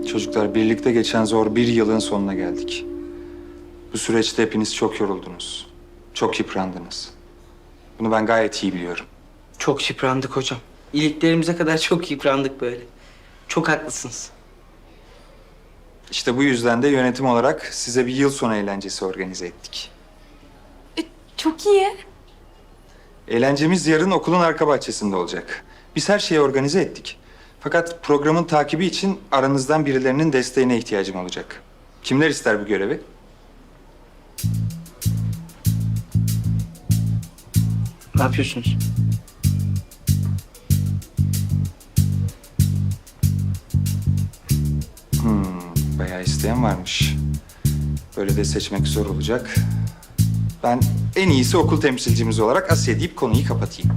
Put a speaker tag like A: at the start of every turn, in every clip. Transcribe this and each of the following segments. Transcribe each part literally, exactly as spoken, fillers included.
A: Çocuklar, birlikte geçen zor bir yılın sonuna geldik. Bu süreçte hepiniz çok yoruldunuz. Çok yıprandınız. Bunu ben gayet iyi biliyorum.
B: Çok yıprandık hocam. İliklerimize kadar çok yıprandık böyle. Çok haklısınız.
A: İşte bu yüzden de yönetim olarak size bir yıl sonu eğlencesi organize ettik.
C: Çok iyi.
A: Eğlencemiz yarın okulun arka bahçesinde olacak. Biz her şeyi organize ettik. Fakat programın takibi için aranızdan birilerinin desteğine ihtiyacım olacak. Kimler ister bu görevi?
B: Ne yapıyorsunuz?
A: Bayağı isteyen varmış. Böyle de seçmek zor olacak. Ben en iyisi okul temsilcimiz olarak Asya deyip konuyu kapatayım.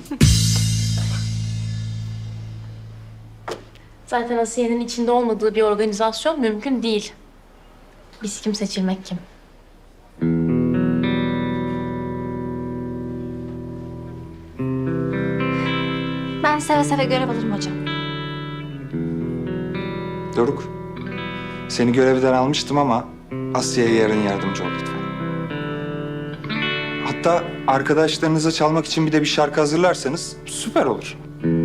C: Zaten Asiye'nin içinde olmadığı bir organizasyon mümkün değil. Biz kim, seçilmek kim?
D: Ben seve seve görev alırım hocam.
A: Doruk, seni görevden almıştım ama Asya'ya yarın yardımcı ol lütfen. Hatta arkadaşlarınıza çalmak için bir de bir şarkı hazırlarsanız süper olur.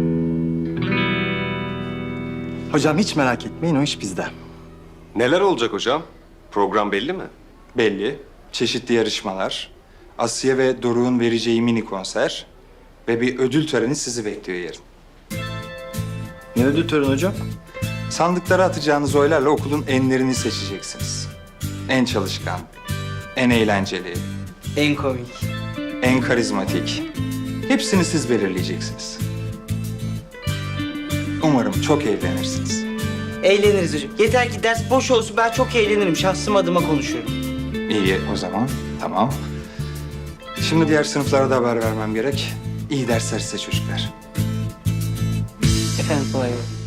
E: Hocam hiç merak etmeyin, o iş bizde.
F: Neler olacak hocam? Program belli mi?
A: Belli, çeşitli yarışmalar, Asya ve Doruk'un vereceği mini konser ve bir ödül töreni sizi bekliyor yarın.
E: Ne ödül töreni hocam?
A: Sandıklara atacağınız oylarla okulun enlerini seçeceksiniz. En çalışkan, en eğlenceli,
B: En komik.
A: en karizmatik. Hepsini siz belirleyeceksiniz. Umarım çok eğlenirsiniz.
B: Eğleniriz hocam. Yeter ki ders boş olsun. Ben çok eğlenirim. Şahsım adıma konuşuyorum.
A: İyi o zaman, tamam. Şimdi diğer sınıflara da haber vermem gerek. İyi dersler size çocuklar.
B: Efendim kolay gelsin.